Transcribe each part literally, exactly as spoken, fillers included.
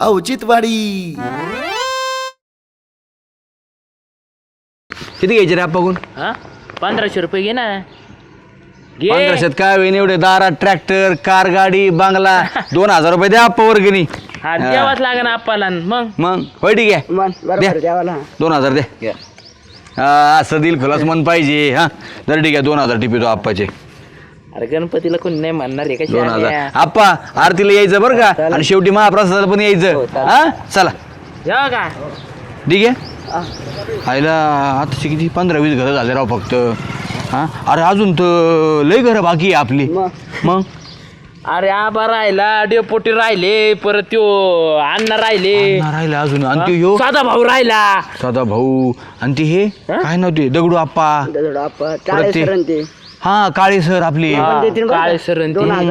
औचित्यवाडी. किती घ्यायचे रे आपण? हा पंधराशे रुपये घे ना. घे. पंधराशेत काय होईन एवढे दारात ट्रॅक्टर कार गाडी बांगला दोन हजार रुपये द्या आप्पा वर्गणी. हा द्यावाच लागेल आपल्याला मग. मग होय ठीक आहे द्या. दोन हजार द्या. हा असं दिल खुलास मन पाहिजे. हा तर ठीक आहे दोन हजार टिपितो आप्पाचे. अरे गणपतीला कोणी नाही म्हणणार आहे दोन हजार का? आप्पा आरतीला यायचं बरं का आणि शेवटी महाप्रसादाला पण यायचं. हा चला जेव्हा का ठीक आहे. आईला आताची किती पंधरा वीस घरं झाले राव फक्त. हा अरे अजून तर लय घरं बाकी आहे आपली. मग अरे आबा राहिला डेपोटी राहिले परत त्यो अण्णा राहिले राहिला अजून आणि ते ह्यो साधा भाऊ राहिला. साधा भाऊ आणि ते हे काय नव्हते दगडू आप्पा परत ते हा काळे सर आपले काळे सर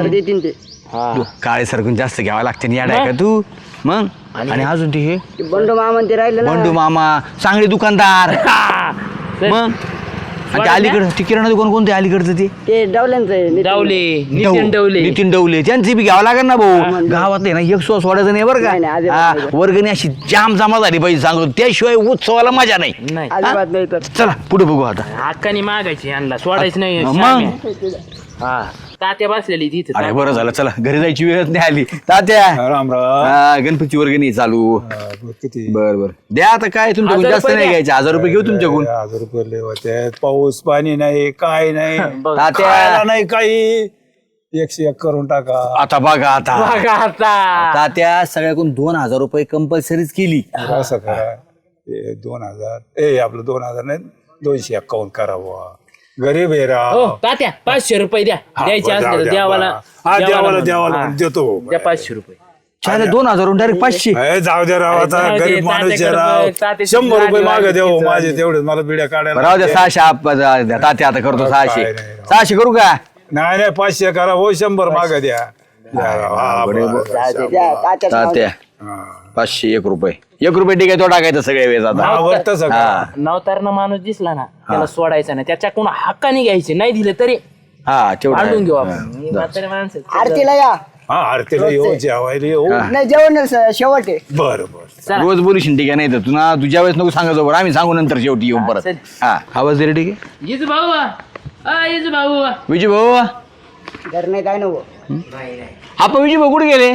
काळे सर कोण जास्त घ्यावा लागते ना याड आहे का तू. मग आणि अजून ते हे बंडू मामा ते राहिले ना. बंडू मामा चांगले दुकानदार. मग आणि ते अलीकडं ते किराणा दुकान कोणते अलीकडचं ते ते डवल्यांचं डावले नितीन डावले नितीन डवले त्यांची बी घ्यावं लागेल ना भाऊ. गावातले ना एक सो सोडायचं नाही बरं नाही, नाही, का. अजिबात हा, वर्गणी अशी जाम जमा झाली पाहिजे सांगतो त्याशिवाय उत्सवाला मजा नाही. नाही अजिबात नाही तर. चला पुढे बघू आता. हक्कानी मागायची आणला सोडायचं नाही. मग हा तात्या बसलेली तिथे. अरे बरं झालं चला घरी जायची वेळच नाही आली. तात्या राम राम. हा, गणपती वर्गणी चालू. किती बर बर द्या आता काय तुमच्याकडून हजार जास्त रुपये नाही द्या. घ्यायचे हजार रुपये घेऊ तुमच्याकडून. हजार रुपये लय होते. पाऊस पाणी नाही काय नाही तात्या खायला नाही काही. एकशे एक करून टाका. आता बघा आता बघा आता तात्या सगळ्याकडून दोन हजार रुपये कंपल्सरीच केली. असं करा ते दोन हजार ए आपलं दोन हजार नाही दोनशे एक्कावन्न करावं. गरीब आहे हो राव. तात्या पाचशे रुपये द्या द्यायचे असले तर देवाला हा देवाला देवाला हा. देतो. द्या पाचशे रुपये. चालेल दोन हजार डायरेक्ट पाचशे. ए, जाऊ द्या राव आता जाऊ दे, गरीब माणूस आहे तात्याकडे राव. बघ, तात्याची शंभर रुपये गाडी मागे वाढली, देऊ तिचं माझे वाढली. तेवढे मला बिड्या काढायला. राहू द्या सहाशे आप तात्या आता करतो सहाशे. काय नाही राव. सहाशे करू का. नाही नाही पाचशे करा हो शंभर मागे द्या. द्या राव. हा, बरं, बरं. द्या, तात्याचं नाव तात्या हा. पाचशे एक रुपये एक रुपये ठीक आहे तो टाकायचं सगळे वेळेस आता. हा, बरं तसं करा. हा नवतारनं माणूस दिसला ना त्याला सोडायचा नाही. त्याच्याकडून हक्काने घ्यायचे नाही दिले तरी हा भांडून घेऊ तेवढं आपण. ही म्हातारी माणसं आरतीला या. हा आरतीला येऊ जेवायला येऊ. नाही जेवण नाही, शेवट आहे. बरं बरं. रोज बोलूशील ठीक आहे नाही तर तू ना तुझ्या वेळेस नको सांगायचं बरं आम्ही सांगू नंतर शेवटी येऊन परत. चल. हा आवाज दे रे ठीक आहे. येच भाऊ अ येच भाऊ विजय भाऊ घर नाही काय नव्हतं. आपण विजय भाऊ कुठे गेले.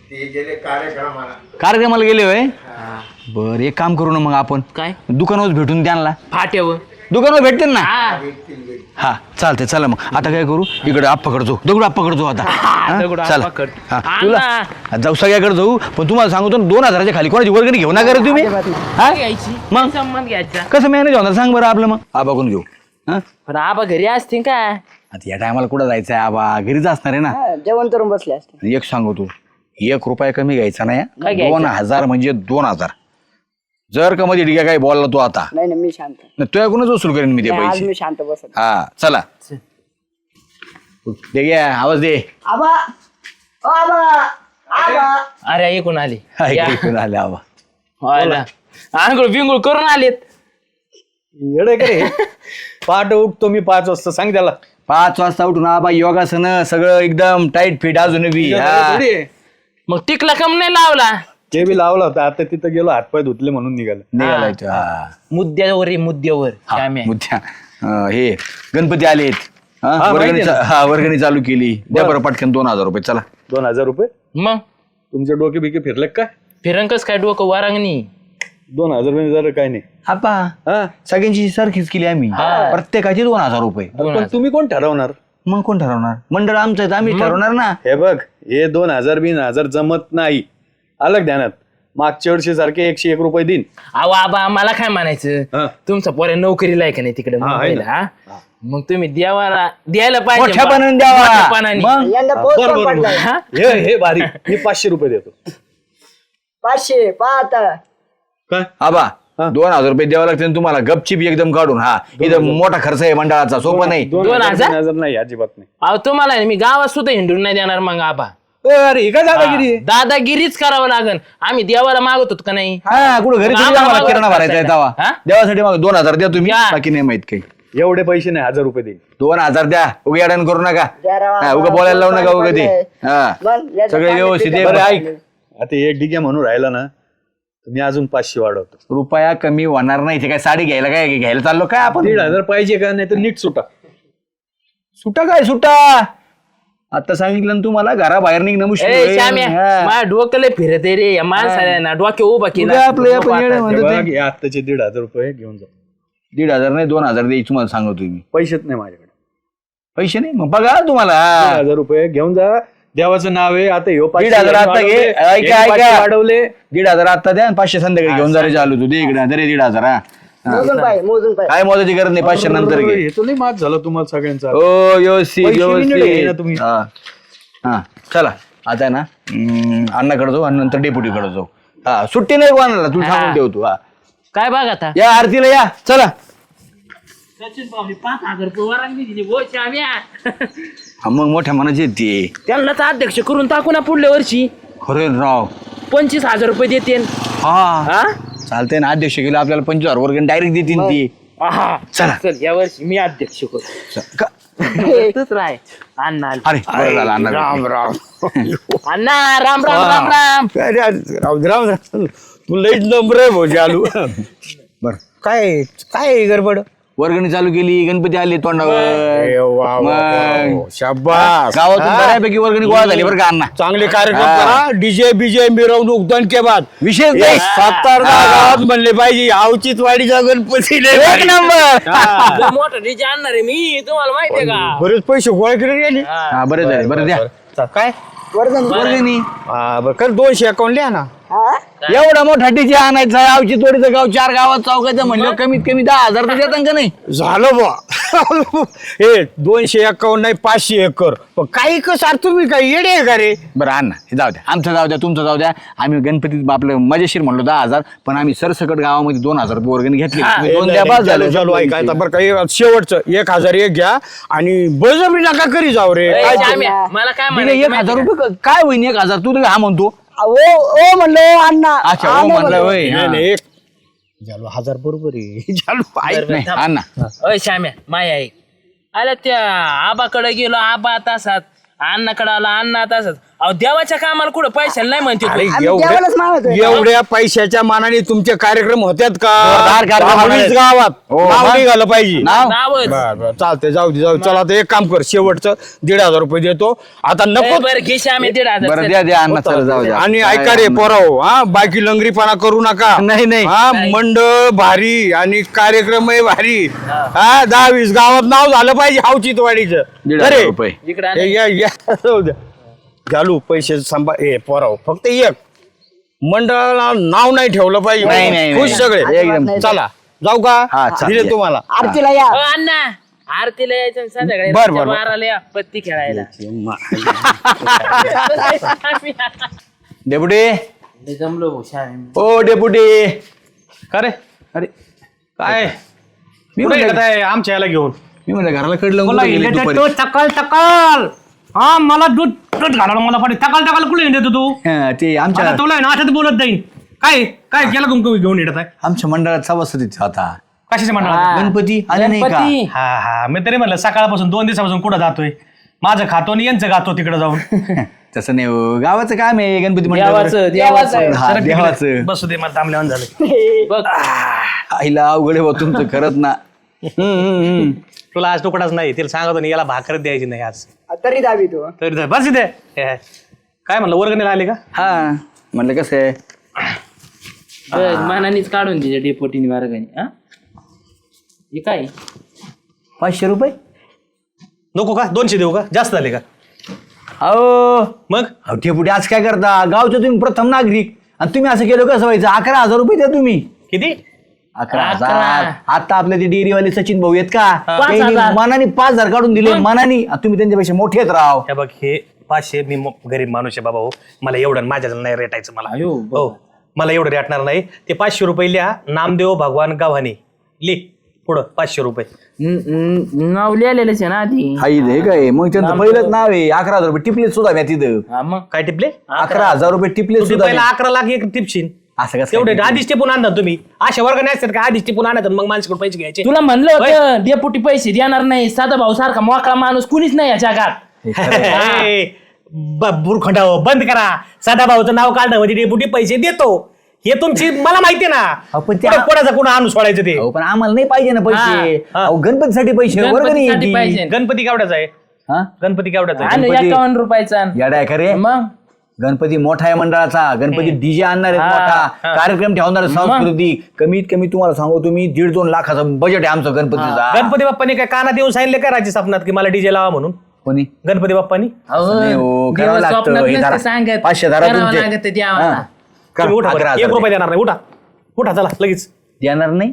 कार्यक्रमाला गेले होय. बर एक काम करू ना मग आपण काय दुकानावर भेटून त्यांना फाट्यावर दुकानावर भेटते ना. हा हा चालते चला मग आता काय करू इकडे आप्पाकडे जाऊ दगडू आप्पाकडे जाऊ आता. हा? दगडू चला आप्पाकडे. हा, हा तुला ना. जाऊ सगळ्याकडे जाऊ पण तुम्हाला सांगतो ना, दोन हजाराच्या खाली कोणाची वर्गणी घेऊ नका रे तुम्ही. हा घ्यायची मग? संबंध घ्यायचा. कसं मॅनेज होणार सांग बरं आपलं मग आबाकडून घेऊ. हा पण आबा घरी असतील का. आता या टायमाला कुठं जायचं आहे आबा घरीच असणार आहे ना. हा, जेवण करून बसले असते. आणि एक सांगू तू एक रुपया कमी घ्यायचा नाही काय हा. घ्यायचं? दोन हजार म्हणजे दोन हजार जर का मध्ये ठीक आहे काही बोलला तू आता नाही नाही मी शांत. तुझ्याकडूनच वसूल करेन मी ते नाही, आज पैसे. मी शांत बसत. हा चला दे घ्या आवाज दे. आबा ओ आबा आबा. अरे ऐकून आले हा, इकडे इकडून आले आबा. आंघोळ बिंगोळ करून आलेत. येडे करे पाठ उठतो मी पाच वाजता सांग त्याला. पाच वाजता उठून आबा योगासन सगळं एकदम टाईट फिट अजून बी. हा. थोडी आहे. मग टिकला कम नाही लावला. ते बी लावला होता आता तिथं गेलो हातपाय धुतले म्हणून निघालं. निघालाय तो. हा. मुद्द्यावर आहे, मुद्द्यावर हा, श्याम्या. मुद्द्या अं, हे गणपती आलेत. हा, हा, वर्गणी माहिती आहे चा- हा वर्गणी चालू केली द्या बरं पटकन दोन हजार रुपये चला. दोन हजार रुपये मग तुमचे डोके बिके फिरले काय. फिरंकच काय डोकं वारांगणी. दोन हजार रुपये जरा काय नाही. आपा हा सगळ्यांची सारखीच केली आम्ही प्रत्येकाची दोन हजार रुपये. पण तुम्ही कोण ठरवणार. मग कोण ठरवणार मंडळ आमचं आहे तर आम्ही ठरवणार ना. हे बघ हे दोन हजार बिन हजार जमत नाही. अलग ध्यानात मागच्या वर्षी सारखे एकशे एक रुपये दिन. अहो आबा आम्हाला काय हा. म्हणायचं तुमचा पोऱ्या नोकरीला आहे का नाही तिकडे हा, आहे मुंबईला, ना. हा? मग तुम्ही द्यावाला द्यायला पाहिजे. मोठ्यापणाने द्यावा. मोठ्यापणाने. मग? यंदा हा, पोहोच बरं, पण बरं, पडलाय. हा? हे हे भारी मी पाचशे रुपये देतो. पाचशे पाच. काय आबा दोन हजार रुपये द्यावं लागते तुम्हाला गपचिप एकदम काढून. हा इथं मोठा खर्च आहे मंडळाचा सोपा नाही. दोन दोन हजार हजार? तीन हजार नाही अजिबात नाही. अहो तुम्हाला आहे ना, मी गावात सुद्धा हिंडून नाही देणार मग आबा. अरे हे काय दादागिरी आहे? दादागिरीच करावं लागन. आम्ही देवाला मागत होतो का नाही. हा कुठं घरी मग थोडी आम्हाला आम्हाला मागं किराणा भरायचा आहे हा? तेव्हा देवासाठी मग दोन हजार द्या तुम्ही या. बाकी नाही माहित काही. एवढे पैसे नाही हजार रुपये देईल. दोन हजार द्या उगा अडण करू नका. द्या राव. हा, उगा बोलायला लावू नका उगा ते. हा मग याचं सगळे पाणी व्यवस्थित पितं. आहे. बरं ऐक आता एक डिग्या म्हणून राहिला ना तर मी अजून पाचशे वाढवतो. रुपया कमी होणार नाही. ते काय साडी घ्यायला काय घ्यायला चाललो काय आपण? दीड हजार पाहिजे का? नाही तर नीट सुटा. सुटा काय सुटा? आता सांगितलं ना तुम्हाला घराबाहेर निघणं मुश्किल ए होईल. श्याम्या हा. माझ्या डोक्याला फिरत आहे रे या माणसाला ना डोक्या उभा केला उद्या आपलं आपण येणं म्हणतो ते. बघ, हे आत्ताचे दीड हजार रुपये घेऊन जा. दीड हजार नाही दोन हजार द्यायची तुम्हाला सांगतो मी. पैसेच नाही माझ्याकडे. पैसे नाही मग बघा तुम्हाला. दीड हजार रुपये घेऊन जा. देवाचं नाव आहे. आता ह्यो दीड हजार आता घे. ऐका ऐका वाढवले. दीड हजार आता द्या आणि पाचशे संध्याकाळी घेऊन जरा चालू तू दे इकडे दे दीड हजार. हा. मोजून पाय मोजून पाय काय मोजायची गरज नाही. पाचशे नंतर घे. हे तो लई मात झालं तुम्हाला सगळ्यांचा. हो व्यवस्थित पैसे बी नीट घे ना व्यवस्थित. तुम्ही. हा हा चला आता आहे ना हम्म, अण्णाकडे जाऊ आणि नंतर डेप्युटीकडे जाऊ. हा सुट्टी नाही कोणाला तू सांगून ठेवतो. हा काय बघ आता या आरतीला या चला. पाच हजार रुपये वरांगी दिली हो श्याम्या. हा मग मोठ्या मनाची आहेत ती. त्यांना तर अध्यक्ष करून टाकू ना पुढल्या वर्षी. खरे राव. पंचवीस हजार रुपये देते हा हा चालतंय ना. अध्यक्ष केलं आपल्याला पंचवीस हजार वर्ग डायरेक्ट देतील ती. आहा. चला. चल या वर्षी मी अध्यक्ष करू. का- तूच राय अण्णा आले. अरे बरं झालं अण्णा. राम राम अण्णा राम राम राम राम. अरे, राम राम राम तू लईच नंबर आहे भाऊ चालू. बरं काय काय गडबड? वर्गणी चालू केली. गणपती आले ए, तोंडावर. वा, वा, वा, मग वा. शाबास. गावातून हा? बऱ्यापैकी वर्गणी गोळा झाली बरं का अण्णा. चांगले कार्यक्रम हा. करा. डीजे बीजे मिरवणूक दणके बाद विशेष नाही. सातार गावात म्हणले पाहिजे अवचित वाडीचा गणपती लय एक भारी. नंबर. हा. लय मोठा डीजे आणणार आहे मी तुम्हाला माहितीये का. बरेच पैसे गोळा केले गेले. हा बरं झाले बरं द्या. काय वर्धन वर्गणी हा, बरं कर दोनशे अकाउंट लिहा ना. हा एवढा मोठा डीजे आणायचा. आवची तोडीचं गाव चार गावात चौकाचं म्हणलं कमीत कमी दहा हजार तर देतात का नाही. झालं बा. हे दोनशे अकाउंट नाही पाचशे एकर पण काही कसं तुम्ही काय येडे आहे का रे? बरं अण्णा हे जाऊ द्या. आमचं जाऊ द्या तुमचं जाऊ द्या. आम्ही गणपतीत आपलं मजेशीर म्हणलो दहा हजार पण आम्ही सरसकट गावामध्ये दोन हजार रुपये वर्गणी घेतली. तुम्ही दोन द्या बस झालं. चालू ऐका आता बरं काही शेवटचं एक हजार एक घ्या आणि बळजबरी नका करी जाऊ रे. ए, काय ते? श्याम्या, मला काय दिले म्हणायचं एक हजार माहितीये रुपये क- काय होईन एक हजार तू तर हा म्हणतो. ओ ओ म्हणलो अण्णा अच्छा हा हो नाही म्हणलं म्हणलो. होय. नाही, हा. नाही, एक झालो हजार बरोबर आहे. झालो ऐक. बरं, नाही थांब. अण्णा अय श्याम्या माया आहे आला त्या आबाकडे गेलो आबा तासात अण्णाकडे आला अण्णा तासात. अहो देवाच्या कामाला कुठं पैशाला नाही म्हणते अरे तू. आम्ही देवालाच मागतोय. एवढ्या एवढ्या पैशाच्या मानाने तुमचे कार्यक्रम होत्यात का? जोरदार कार्यक्रम दहावीस होणार. गावात हो, नाव मग. निघालं पाहिजे. नाव नावच बर बर चालते जाऊ दे जाऊ दे. चला आता एक काम कर शेवटचं दीड हजार रुपये देतो आता ए, नको. बरं घे श्याम्या दीड हजार बरं चल. द्या द्या अण्णा चला जाऊ द्या. आणि काय ऐका रे अण्णा. पोराव हा बाकी लंगरीपणा करू नका. नाही, नाही. हा मंडळ भारी आणि कार्यक्रमही भारी. हा दहा वीस गावात नाव झालं पाहिजे हावचितवाडीचं. दीड हजार अरे रुपये. इकडं आण. हे या या जाऊ द्या. घालू पैसे सांभाळ ए पोराव फक्त एक मंडळाला नाव नाही ठेवलं नाही, नाही, पाहिजे. नाही. खुश सगळे एकदम. चला जाऊ हा, का चालेल. दिले तुम्हाला. आरतीला या अ, अण्णा आरतीला यायचं आणि संध्याकाळी बरं, रातच्या बरं. बाराला या पत्ती खेळायला. डेपुटी लय जमलो भाऊ श्याम्या. ओ डेपुटी. का रे? अरे काय मी कुठे म्हणलं येत आहे आमच्या याला घेऊन? मी म्हणलं घराला कडलं बोला कुठं गेली इलेक्ट्रिक दुपारी? तो टकल टकल हा मला दूध दूध घालायला मला पाहिजे टकल टकल कुठे येतो तू हा, ते आमच्या आता तुला आहे ना असंच बोलत जाईल काय काय केलं तुमक घेऊन येत आहे आमच्या मंडळात सभासदीत होता. कशाचे म्हणणार हा. गणपती आले नाही का? गणपती. हा हा मी तरी म्हणलं सकाळपासून दोन दिवसापासून कुठं जातोय माझं खातो आणि यांचं खातो तिकडे जाऊन तसं नाही हो. गावाचं काम आहे गणपती मंडळावर. देवाचं देवाचं हा, सरक तिकडे. देवाचं. बसू दे मला थांबल्यावर झालं बघ आईला अवघड आहे बा तुमचं खरंच ना. हम्म, हम्म, हम्म. तुला आज तुकडाच नाही तिला सांगतो नाही याला भाकर द्यायची नाही आज तरी दाबी तू तरी धर, बस इथे हे, काय म्हणलं वर्गणीला आले का हा म्हणलं कसं आहे बघ, मानानीच काढून दिले डेपोटीने वर्गाने. हा हे काय पाचशे रुपये. नको का दोनशे देऊ का जास्त झाले का अहो मग अहो डेपुटी आज काय करता गावचे तुम्ही प्रथम नागरिक आणि तुम्ही असं केलं कसं व्हायचं. अकरा हजार रुपये द्या तुम्ही. किती अकरा अकरा. हजार. आता आपले ते डेअरीवाले सचिन भाऊ आहेत का पाच त्यांनी हजार. मनाने पाच हजार काढून दिले मनाने. आणि तुम्ही त्यांच्यापेक्षा मोठे आहेत राव. हे बघ हे पाचशे मी म- गरीब माणूस आहे बाबा हो मला एवढं माझ्या नाही रेटायचं मला अयो, हो मला एवढं रेटणार नाही ते पाचशे रुपये लिहा नामदेव भगवान गावाने लिह पुढं पाचशे रुपये न- न- नाव लिहिलेलंच आहे ना आधी. हाई हे काय मग त्यांचं पहिलंच नाव आहे. अकरा हजार रुपये टिपले सुद्धा म्या तिथं. हा मग काय टिपले अकरा हजार रुपये टिपले तू सुद्धा पहिला म्या. अकरा लाख एक टिपशील असं कसं तेवढे काय? आधीच टिपून आणतात तुम्ही अशा वर्गाने असतात का आधीच टिपून आणतात मग माणसाकडे पैसे घ्यायचे तुला म्हणलं होतं डेपोटी पैसे देणार नाही साधा भाऊ सारखा मोकळा माणूस कुणीच नाही या जगात. हे, बुरखंडा बंद करा, सदाभाऊचं नाव काढणं म्हणजे डेपुटी पैसे देतो, हे तुमची मला माहिती ना. आपण त्या- कोणा- कोणाचं कोणा आणून सोडायचं ते. अहो, पण आम्हाला नाही पाहिजे ना पैसे. हा. अहो, गणपतीसाठी पैसे वर्गणी गणपतीसाठी येते. पाहिजे. गणपती केवढ्याचा आहे? हा? गणपती केवढ्याचा आहे? आणि गणपती- एकावन्न रुपयाचा आण. येडा आहे का रे? मग गणपती मोठा आहे मंडळाचा. गणपती डीजे आणणार आहे हा, मोठा, कार्यक्रम ठेवणार आहे सांस्कृतिक. कमीत कमी तुम्हाला सांगू तुम्ही दीड दोन लाखाचं बजेट आहे आमचं गणपतीचा. गणपती बाप्पाने काय कानात येऊन सांगितले का राज्य स्वप्नात की मला डीजे लावा म्हणून? कोणी गणपती बाप्पानी अहो, नाही हो, देव करावं लागतं. स्वप्नात हे नसते धरा. सांगत. पाचशे धरा करावं तुमचे. लागतं देवाला. हा. कर, तुम्ही उठा अकरा बरं. हजार एक रुपये देणार नाही. उठा उठा चला लगेच. देणार नाही.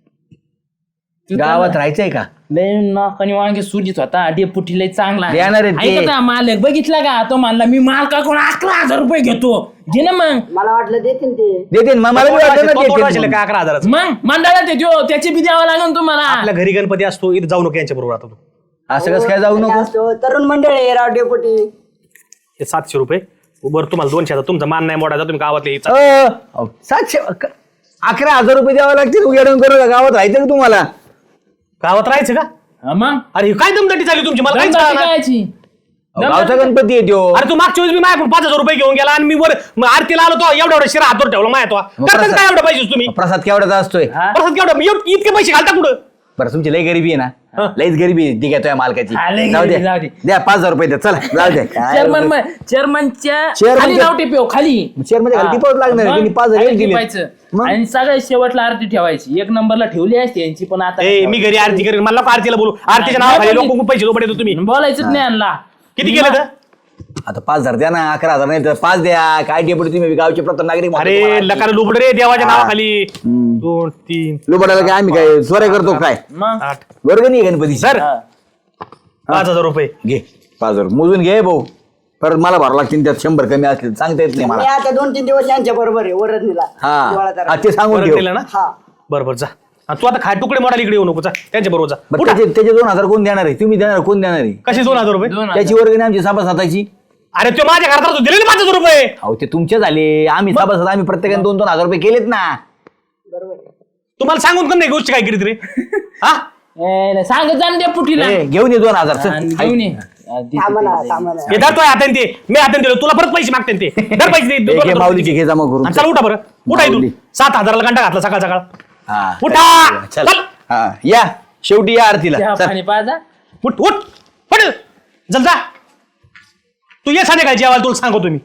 गावात राहायचंय का? लय नाकाने वांगे सुजीत होता डेपुटी लय चांगला आहे. देणार आहे ते. ऐका ना, मालक बघितला का तो म्हणला मी मालकाकडून अकरा हजार रुपये घेतो. घे ना मग. मला वाटलं देतील ते. देते ना, मला बी वाटलं ना तो- तो- तो देते वाचले म्हणून. का अकरा हजाराचं? मग मंडळात येतो त्याची बी द्यावं लागेल तुम्हाला. आपल्या घरी गणपती असतो, इथं जाऊ नको यांच्या बरोबर. आता तू असं कसं काय जाऊ नको. असतो तरुण मंडळ आहे राव डेपुटी. हे सातशे रुपये बरं, तुम्हाला दोनशे हजार तुमचा मान नाही मोडायचा, तुम्ही गावातले यायचा. अ, अहो, सातशे अक- अकरा हजार रुपये द्यावे लागतील उघडून करू का? गावात राहायचं का तुम्हाला? गावात राहायचं का? हा, मग अरे ही काय दमदाटी झाली तुमची, मला काहीच गणपती कळेना. कायची? अहो, गावचा गणपती येतो. अरे तू मागच्या वेळेस मी माझ्याकडून पाच हजार रुपये घेऊन गेला आणि मी वर मग आरतीला आलो तो एवढा एवढा शिरा हातवर ठेवला माया तो. मग करता प्रसाद- काय एवढं पाहिजे तुम्ही? प्रसाद केवढ्याचा असतोय? हा? परत केवढं एवढं- इतके पैसे घालता कुठं? बरं तुमची लई गरिबी आहे ना, लईच गरिबी आहे. ती घेतोय मालकाची. हा, लई जाऊ गरिबी, जाऊ दे दे. द्या पाच हजार रुपये द्या. चला जाऊ दे. चेअरमन चेअरमनच्या Chairman खाली च्या- नाव टिपेव खाली. चेअर मध्ये घाल टिपावंच लागणार. मग त्यांनी पाच हजार खाली दिले. टिपायचं. मग? आणि सगळ्यात शेवटला आरती ठेवायची. एक नंबरला ठेवली असते यांची पण आता ए मी घरी आरती करेन, मला नको आरतीला बोलू. आरतीच्या नावाखाली लोक पैसे लोक तुम्ही बोलायचंच नाही आणला. किती केलं तर? आता पाच हजार द्या ना. अकरा हजार नाही तर पाच द्या. काय डेपुटी तुम्ही गावचे प्रथम नागरिक म्हणतो अरे तुम्हाला. लकार लुबड रे देवाच्या नावाखाली. दोन तीन लुबाडाला काय आम्ही काय चोऱ्या करतो काय? मग आठ वर्ग नाही गणपती सर पाच हजार रुपये घे पाच हजार मोजून घे भाऊ. परत मला भरावं लागतील त्यात शंभर कमी असले तर सांगता येत नाही मी मला. आता दोन तीन दिवस यांच्या बरोबर आहे वरदनीला. हा दिवाळाचा हा, ते सांगून परत ठेव. दिलं ना? हा. बरोबर जा. आणि तू आता खाय तुकडे मोडायला इकडे येऊ नको, जा त्यांच्या बरोबर जा. बरं, उठा. त्याचे त्याचे दोन हजार कोण देणार आहे? तुम्ही देणार कोण देणार आहे? कशी दोन हजार रुपये? दोन हजार. त्याची वर्गणी आमची सभासदाची. अरे तो माझ्या घरात दिले ना पाच हजार रुपये. अहो ते तुमचे झाले. आम्ही सभासद आम्ही प्रत्येकाने दोन दोन हजार रुपये केलेत ना. तुम्हाला सांगून पण नाही गोष्ट काय केली रे हा? ए, सांगत जा ना डेपुटीला. ए, घेऊन ये दोन हजार चल. आणि घेऊन ये. थांबा ना थांबा ना. हे धरतोय हाताने ते, मी हाताने दिलो, तुला परत पैसे मागते ते. धर पैसे दे, ए, दोन घे हजार माऊलीची रुपये. घे जमा करून. आणि चल उठा बरं, उठा इथून. माऊली. सात हजाराला घंटा घातला सकाळ सकाळ. हा उठा चल. चल. हा या शेवटी या आरतीला चहा चल. पाणी पाजा. उठ उठ पड चल जा. तू ये संध्याकाळी जेवायला, तुला सांगतो तुम्ही.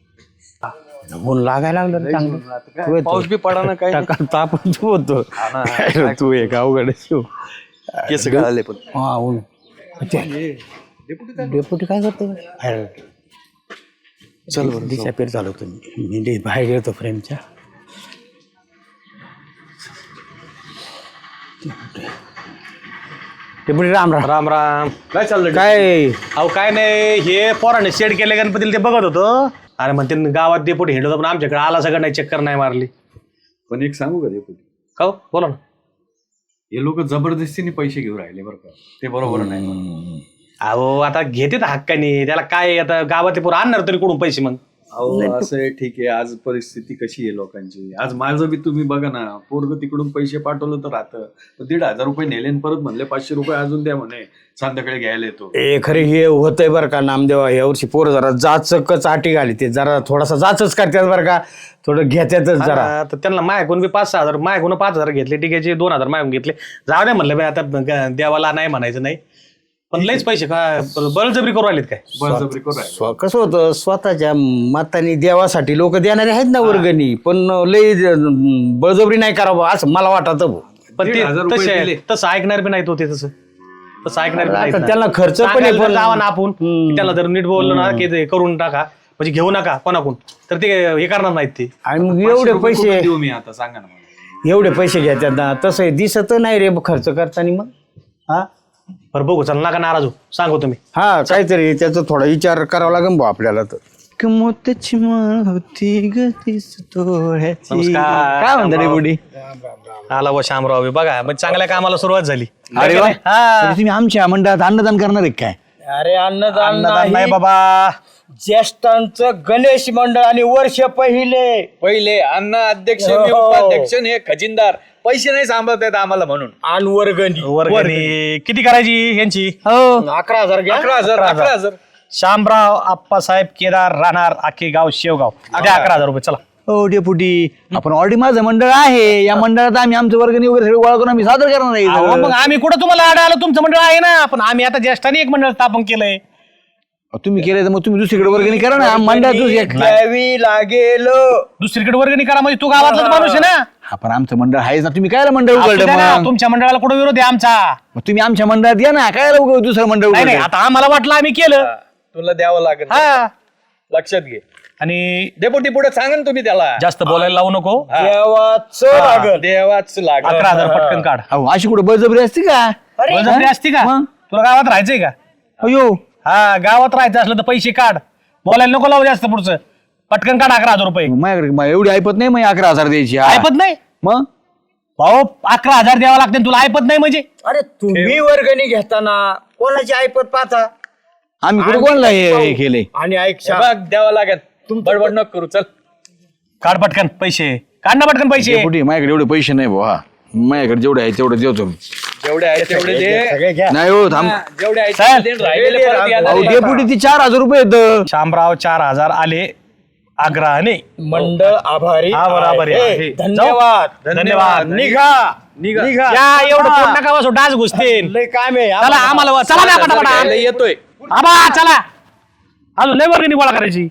ऊन लागायला लागलं रे चांगलं. पाऊस बी पडा ना काय तापच होतो तू एक अवघड शिव. केस गळाले पण हा ऊन डेपुटी काय करतो बाहेर चल बरं डिसअपिअर झालो तुम्ही. मी डे- बाहेर गेलो फ्रेमच्या. डेपुटी राम राम. राम राम. काय चाललं काय अहो काय नाही, हे पोराने शेड केले गणपतीला ते बघत होतो. अरे म्हणते गावात डेपुटी हिंडत होता, पण आमच्याकडे आला सगळं नाही, चक्कर नाही मारली. पण एक सांगू का डेपुटी, का हो? बोला ना. हे लोक जबरदस्तीने पैसे घेऊन राहिले बरं का, ते बरोबर नाही. अहो आता घेते हक्काने, त्याला काय आता गावात पोरं आणणार तरी कुठून पैसे मग? अहो असं आहे, ठीक आहे, आज परिस्थिती कशी आहे लोकांची. आज माझं बी तुम्ही बघा ना, पोरग तिकडून पैसे पाठवलं तर राहतं, दीड हजार रुपये नेले आणि परत म्हणले पाचशे रुपये अजून द्या म्हणे, संध्याकाळी घ्यायला येतो. ए खरे हे होतंय बरं का नामदेवा. यावर्षी पोरं जरा जाचकच आटी घाली ते जरा थोडासा जाचच करतात बरं का. थोडं घेतातच जरा. हा, तर त्यांना मायकून बी पाच सहा हजार मायकून पाच हजार घेतले, टिकेचे दोन हजार मायकून घेतले. जाऊ दे म्हणलं बाई, आता ग- देवाला नाही म्हणायचं नाही, पण लईच पैसे काय बळजबरी करू राहिलेत काय? बळजबरी करू राहिले. स्व- कसं होतं स्वतःच्या मताने देवासाठी लोक देणारे आहेत ना वर्गणी, पण लई ज- बळजबरी नाही करावं असं मला वाटत भाऊ. पण ते दीड हजार रुपये तसे दिले. तसं ऐकणार बी नाही तो, ते तसं तसं ऐकणार बी नाहीत आता ना. त्यांना खर्च पण आहे, सांगायला पण- जर जावा ना आपण, हम्म. त्याला जर नीट बोललो ना की ते करून टाका, म्हणजे घेऊ नका कोणाकून, तर ते हे करणार नाहीत ते. आणि मग पाचशे एवढे रुपये पैसे कुठून देऊ मी आता, सांगा ना मला. एवढे पैसे घेतात ना, तसं दिसत नाही रे खर्च करताना मग. हा बरं बघू, चल नका नाराज हो, सांगू तुम्ही. हा काहीतरी त्याचा थोडा विचार करावा लागेल भाऊ आपल्याला. तर मोत्याची माळ होती गतीस तोळ्याची. नमस्कार. काय म्हणता रे बुडी? आला व शामराव बी बघा, म्हणजे चांगल्या कामाला सुरुवात झाली. अरे वा हा. म्हणजे तुम्ही आमच्या मंडळात अन्नदान करणार आहे काय? अरे अन्नदान अन्नदान नाही नाही बाबा. ज्येष्ठांचं गणेश मंडळ आणि वर्ष पहिले पहिले अन्न अध्यक्ष, मी हो. उपाध्यक्ष, आणि हे खजिनदार. पैसे नाही सांभाळत आहेत आम्हाला म्हणून. आणि वर्गणी वर्गणी किती करायची यांची? हो अकरा हजार घ्या. अकरा हजार अकरा हजार शामराव आप्पासाहेब केदार राहणार आखे गाव शेवगाव द्या अकरा हजार रुपये चला. हो डेपुटी आपण ऑलरेडी माझं मंडळ आहे या मंडळात आम्ही आमचं वर्गणी वगैरे सगळं गोळा करून आम्ही सादर करणार आहे अहो, सगळं. मग आम्ही कुठं तुम्हाला आडा आलो तुमचं मंडळ आहे ना पण आम्ही आता ज्येष्ठाने एक मंडळ स्थापन केलंय. तुम्ही केलं तर मग तुम्ही दुसरीकडे वर्गणी करा ना मंडळ द्यावी लागेल. दुसरीकडे वर्गणी करा म्हणजे तू गावातलाच माणूस आहे ना. आपण आमचं मंडळ आहेच ना तुम्ही काय मंडळ असू उघडलं द्या ना, मग तुमच्या मंडळाला कुठं विरोध आहे आमचा. मग तुम्ही आमच्या मंडळात या ना काय उघड दुसरं मंडळ नाही नाही उघडलं आता आम्हाला वाटलं आम्ही केलं. तुला द्यावं लागेल हा लक्षात घे. आणि डेपुटी पुढे सांगा ना तुम्ही त्याला जास्त बोलायला लावू नको. देवाचं लागल. देवाच लागल. अकरा हजार पटकन काढ. अहो अशी कुठं बळजबरी असते का बळजबरी असती का मग? तुला गावात राहायचंय का. अयो हा गावात राहायचं असलं तर पैसे काढ बोलायला नको लावू जास्त पुढचं पटकन काढ अकरा हजार रुपये. माझ्याकडे मा- एवढी ऐपत नाही मग अकरा हजार द्यायची हा. ऐपत नाही मग भाऊ अकरा हजार द्यावा लागते तुला ऐपत नाही म्हणजे. अरे तुम्ही वर्गणी घेताना कोणाची ऐपत पाहता आम्ही कुठे कोणला हे हे केले आणि ऐक हे बघ द्यावं लागेल बडबड नको करू चल. काढ पटकन पैसे काढ ना पटकन पैसे. कुठे माझ्याकडे एवढे पैसे नाही भाऊ हा माझ्याकडे जेवढे आहे तेवढे देतो मी. जेवढे आहे तेवढे दे. सगळे घ्या. नाही हो थांब जेवढे आहे चल. तेवढे दे. राहिलेले परत येणार अहो आहे. डेपुटी ती चार हजार रुपये येतं शामराव चार हजार आले आग्रहाने. मंडळ आभारी हा, बरोबर आहे. आहे. हे, धन्यवाद धन्यवाद. निघा निघा. निघा या एवढं पोट नका बसू डास घुसतील. लय काम आहे चला आम्हाला व- चला ना घ्यायला पटापटा येतोय. आबा चला अजून लय वर्गणी गोळा करायची.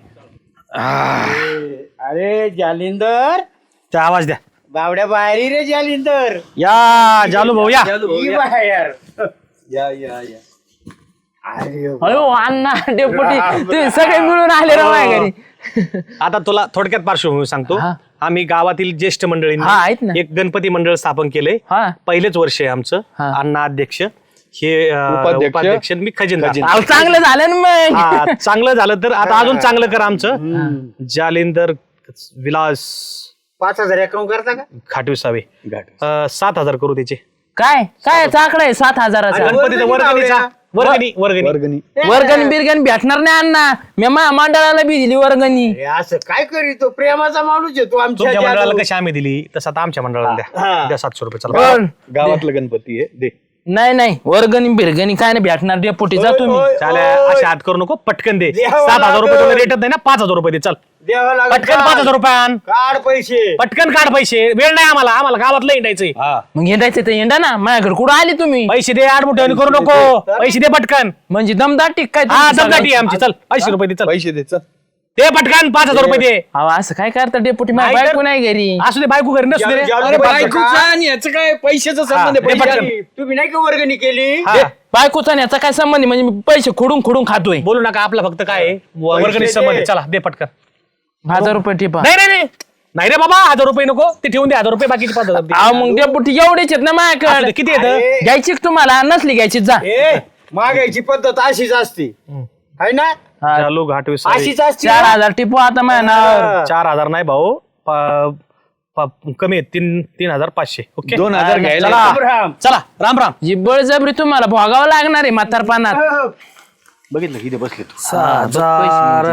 अरे जालिंदर त्या आवाज द्या. बावड्या बाहेर ये रे जालिंदर या जालू भाऊ या. ये बाहेर या या या अरे अयो अण्णा डेपुटी तुम्ही सगळे मिळून आले राव माझ्या घरी. आता तुला थोडक्यात पार्श्वभूमी सांगतो. हा. आम्ही गावातील ज्येष्ठ हा, आहेत मंडळींनी ना. एक गणपती मंडळ स्थापन केलंय. हा. पहिलेच वर्ष आहे आमचं. हा. अण्णा अध्यक्ष हे अं, उपाध्यक्ष. उपाध्यक्ष मी खजिनदार. अहो, चांगलं झालं ना मग. हा, चांगलं झालं तर आता अजून चांगलं कर आमचं. जालिंदर विलास पाच हजार अकाउंट करता का खाटविसावे अं, सात हजार करू त्याचे. काय काय चाकडा आहे सात हजाराचा. गणपतीचा वर्गणीचा वर्गणी वर्गणी वर्गणी बिरगणी भेटणार नाही अण्णा मी माझ्या मंडळाला बी दिली वर्गणी. अरे असं काय करीतो प्रेमाचा माणूस आहे तू आमच्या तुमच्या मंडळाला जादू. कशी आम्ही दिली तसं आता आमच्या मंडळाला द्या. हा. द्या सातशे रुपये चला. पण गावातलं गणपती आहे दे. नाही नाही वर्गणी बिरगणी काय नाही भेटणार डेपुटी जा तुम्ही. ओय, चालेल ओय. असे हात करू नको पटकन दे. द्यावं सात हजार रुपये लागेल. तुला रेटच नाही ना पाच हजार रुपये दे. चल द्यावं लागेल. पटकन पाच हजार रुपये आण. काढ पैसे पटकन काढ पैसे वेळ नाही आम्हाला आम्हाला गावातलं हिंडायचंय. मग हिंडायचं तर हिंडा ना माझ्याकडे कुठं आली तुम्ही. पैसे दे आठ मोठे करू नको. पैसे दे पटकन. म्हणजे दमदाटी काय हा तुमची दमदाटी आहे सगळ्यांची? आमची. चल पैसे रुपये दे. चल पैसे दे चल. दे पटकन पाच हजार रुपये दे. अहो असं काय करता डेपुटी माझ्या नाही तर- बायको नाही घरी. असू दे बायको घरी नसू दे रे. जालू- अरे जालू- बायकोचा आणि याचं काय पैशाचा संबंध हा, आहे. दे पैसे पटकन. आधी. तुम्ही नाही का वर्गणी केली हा. बायकोचा आणि याचा काय संबंध आहे? म्हणजे मी पैसे खोडून खोडून खातोय. बोलू नका आपला फक्त काय आहे, वर्गणी दे. संबंध आहे. चला दे पटकन. हजार रुपये टिपा. नाही नाही नाही नाही रे बाबा हजार रुपये नको ते ठेवून दे हजार रुपये बाकीचे पाच हजार दे. अहो मग डेपुटी एवढेच आहेत ना असू दे, माझ्याकडे. किती येतं. घ्यायची का तुम्हाला नसली घ्यायची जा. ए मागायची पद्धत अशीच असते है ना हा, चालू घाटवीस अशीच असते चार हजार टिपू आता माझ्या नावावर. चार हजार नाही भाऊ प- प- कमी आहेत तीन तीन हजार पाचशे. ओके दोन हजार घ्यायला चला राम. चला राम राम. जी बळजबरी तुम्हाला भोगावं लागणार आहे म्हातारपणात. बघितलं किती बसले तू हजार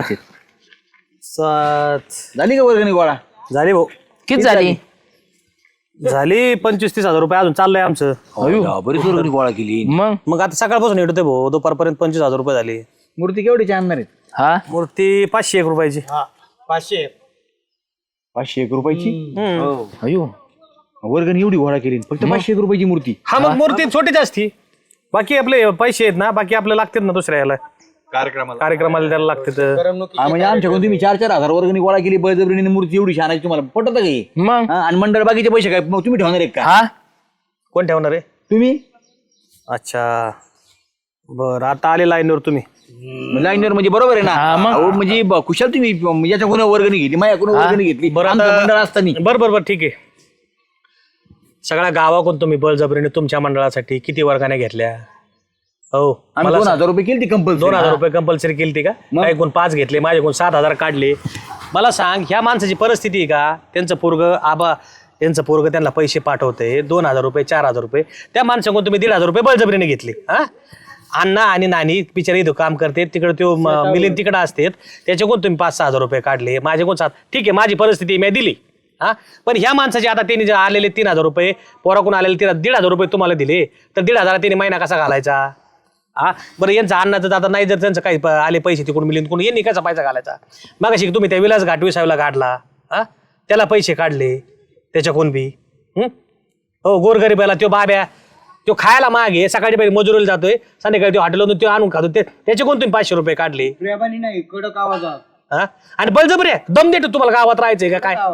सात झाली का वर्गणी गोळा झाली भाऊ किती झाली. झाली पंचवीस तीस हजार रुपये अजून चाललंय आमचं. अयो, बरीच वर्गणी गोळा केली मग मग आता सकाळपासून येतोय भाऊ दुपारपर्यंत पंचवीस हजार रुपये झाली. मूर्ती केवढीची आणणार आहेत हा मूर्ती पाचशे एक रुपयाची. पाचशे पाचशे एक रुपयाची हम्म. अयो वर्गणी एवढी गोळा केली फक्त पाचशे एक रुपयाची मूर्ती हा मग मूर्ती छोटीच असती बाकी आपले पैसे आहेत ना बाकी आपले लागतात ना दुसऱ्या याला कार्यक्रमाला. कार्यक्रमाला त्याला लागतात. हा म्हणजे आमच्याकडून तुम्ही चार चार हजार वर्गणी गोळा केली बळजबरीने मूर्ती एवढी आणायची तुम्हाला पटत का हे? मग हा, आणि मंडळ बाकीचे पैसे काय मग तुम्ही ठेवणार एक का हा कोण ठेवणार आहे. तुम्ही अच्छा बरं आता आले लाईनवर तुम्ही. लाईनवर म्हणजे बरोबर आहे ना हा, मग. अहो, म्हणजे ब- कुशाल तुम्ही याच्याकडून वर्गणी घेतली माझ्याकडून वर्गणी घेतली बरं आमचं आता- मंडळ असताना बरं बरं बरं ठीक आहे. सगळ्या गावाकडून तुम्ही बळजबरीने तुमच्या मंडळासाठी किती वर्गाने घेतल्या. हो आम्ही मला दोन सांग. हजार रुपये केली कंपल्सरी दोन हजार रुपये कंपल्सरी केली का मग? काही कोण पाच घेतले माझ्याकडून सात हजार काढले. मला सांग ह्या माणसाची परिस्थिती आहे का त्यांचं पोरग आबा त्यांचं पोरग त्यांना पैसे पाठवते दोन हजार रुपये चार हजार रुपये त्या माणसाकडून तुम्ही दीड हजार रुपये बळजबरीने घेतले. हा अण्णा आणि नानी बिचारी इथं काम करते तिकडे तो म- मिलिंद तिकडे असते त्याच्याकडून तुम्ही पाच सहा हजार रुपये काढले माझ्याकडून सात ठीक आहे माझी परिस्थिती मी दिली. हा पण ह्या माणसाचे आता त्यांनी जे आलेले तीन हजार रुपये पोराकडून आलेले तीन दीड हजार रुपये तुम्हाला दिले तर दीड हजार त्यांनी महिना कसा घालायचा. हा बरं यांचं अन्नाचं तर आता नाही जर त्यांचं काही प- आले पैसे तिकडून मिळून कोण यांनी कसा पैसा घालायचा मग अशी तुम्ही त्या विलास घाट विसायला काढला हा त्याला पैसे काढले त्याच्या कोण बी हं? हो गोरगरीबाला तो बाब्या तो खायला मागे सकाळी पहिले मजुरीला जातोय संध्याकाळी तो हॉटेलमधून तो आणून खातो ते त्याचे कोण तुम्ही पाचशे रुपये काढले प्रेमाने नाही कडक आवाजात हा आणि बळजबरी आहे दम देतो तुम्हाला गावात राहायचंय का काय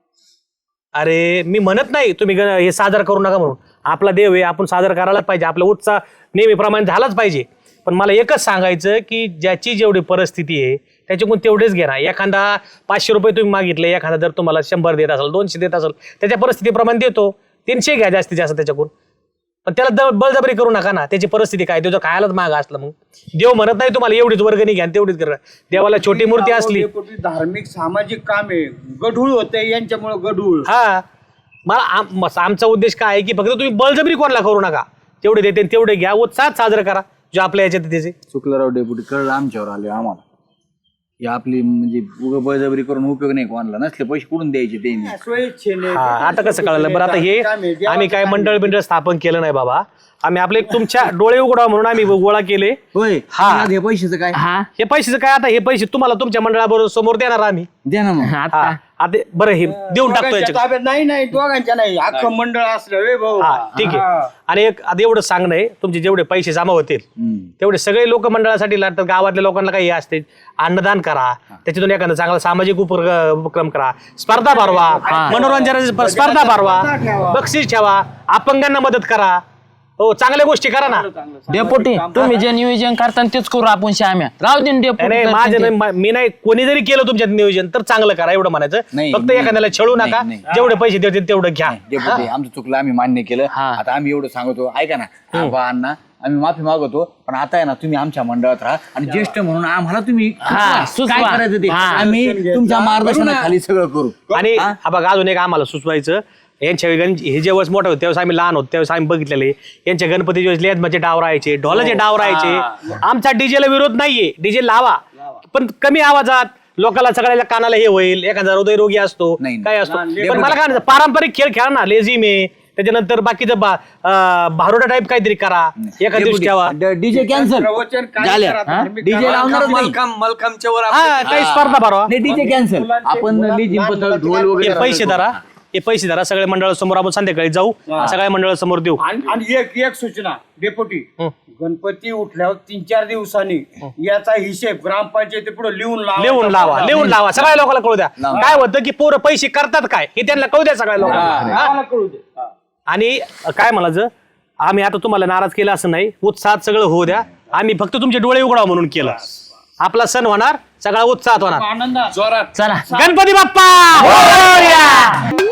अरे मी म्हणत नाही तुम्ही ग- हे सादर करू नका म्हणून आपला देव आहे आपण सादर करायलाच पाहिजे आपला उत्साह नेहमीप्रमाणे झालाच पाहिजे पण मला एकच सांगायचं की ज्याची जेवढी परिस्थिती आहे त्याच्याकडून तेवढेच घे ना एखादा पाचशे रुपये तुम्ही मागितले एखादा जर तुम्हाला शंभर देत असेल दोनशे देत असेल त्याच्या परिस्थितीप्रमाणे देतो तीनशे घ्या जास्तीत जास्त त्याच्याकडून पण त्याला द बळजबरी करू नका ना त्याची परिस्थिती काय तो जर खायलाच माग असलं मग देव म्हणत नाही तुम्हाला एवढीच वर्गणी घ्या आणि तेवढीच करा देवाला छोटी मूर्ती असली धार्मिक सामाजिक काम आहे गढूळ होते यांच्यामुळे गढूळ हा मला आम- मस- आमचा उद्देश काय आहे की फक्त तुम्ही बळजबरी कोणाला करू नका जेवढे देते तेवढे घ्या उत्साहात साजरं करा जो आपल्या याच्यात आहे त्याचे चुकलं राव डेपुटी कळलं आमच्यावर आले आम्हाला ही आपली म्हणजे उगं बळजबरी करून उपयोग नाही कोणाला नसले पैसे कुठून द्यायचे त्यांनी स्वेच्छेने हा आता कसं कळलं बरं आता हे आम्ही काय मंडळ बिंडळ स्थापन केलं नाही बाबा आम्ही आपले तुमच्या डोळे उघडा म्हणून आम्ही गोळा केले होय हा. हे पैशाचं काय हा हे पैशाचं काय आता हे पैसे तुम्हाला तुमच्या मंडळाबरोबर समोर देणार आम्ही द्या ना मग हा आता आता बरं हे देऊन टाकतो दोघांच्या याच्यात ताब्यात नाही नाही दोघांच्या नाही अख्खं मंडळ असलं वे भाऊ हा ठीक आहे आणि एक आता एवढं सांगणं आहे तुमचे जेवढे पैसे जमा होतील तेवढे सगळे लोक मंडळासाठी लागतात गावातल्या लोकांना काही हे असते अन्नदान करा त्याच्यातून एखादा चांगला सामाजिक उपक्र- उपक्रम करा स्पर्धा भरवा मनोरंजनाची स्पर्धा भरवा बक्षीस ठेवा अपंगांना मदत करा हो चांगल्या गोष्टी करा ना डेपोटी तुम्ही जे नियोजन करता तेच करू आपण श्याम्या राहू दे ना नाही, डेपोटी नाही माझं नाही मा- मी नाही कोणी जरी केलं तुमच्यात नियोजन तर चांगलं करा एवढं म्हणायचं नाही, फक्त नाही, एखाद्याला छळू नाही, नका नाही. जेवढे पैसे देतील तेवढं घ्या डेपुटी आमचं चुकलं आम्ही मान्य केलं हा. आता आम्ही एवढं सांगतो ऐका ना आबा अण्णा आम्ही माफी मागवतो पण आता आहे ना तुम्ही आमच्या मंडळात राहा आणि ज्येष्ठ म्हणून आम्हाला तुम्ही हा, सुचवा. काय करायचं ते हा. आम्ही तुमच्या मार्गदर्शनाखाली सगळं करू आणि हा बघा अजून एक आम्हाला सुचवायचं यांच्या गण- हे जेव्हा मोठं होतं त्यावेळेस आम्ही लहान होतो त्यावेळेस आम्ही बघितलेले यांच्या गणपती वेळेस लेझमाचे डाव राहायचे ढोलाचे डाव राहायचे आमचा डीजेला विरोध नाहीये डीजे लावा पण कमी आवाजात लोकांना सगळ्याला कानाला हे होईल एखादा हृदयरोगी असतो नाही. काय असतो पण मला काय म्हणायचं, पारंपरिक खेळ खेळा ना लेझिम आहे त्याच्यानंतर बाकीचं बा- अं, भारुडा टाईप काहीतरी करा एका दिवशी ठेवा डीजे कॅन्सल प्रवचन काय झाल्या करा, धार्मिक डीजे लावणारच नाही मलखाम मलखामच्या वर हा काही स्पर्धा भरवा नाही डीजे कॅन्सल आपण लेझिम पथक ढोल हे वगैरे पैसे धरा हे पैसे धरा सगळ्या मंडळासमोर आपण संध्याकाळी जाऊ सगळ्या मंडळासमोर देऊ आणि आणि एक एक सूचना डेपुटी गणपती उठल्यावर तीन चार दिवसांनी याचा हिशेब ग्रामपंचायती पुढे लिहून लावा लिहून लावा लिहून लावा सगळ्या लोकांना कळू द्या काय होतं की पोरं पैसे करतात काय हे त्यांना कळू द्या सगळ्या लोकांना हा? आम्हाला कळू दे हा. आणि काय म्हणायचं आम्ही आता तुम्हाला नाराज केलं असं नाही उत्साहात सगळं होऊ द्या आम्ही फक्त तुमचे डोळे उघडाव म्हणून केलं आपला सण होणार सगळा उत्साहात होणार आनंदात जोरात चला गणपती बाप्पा मोरया!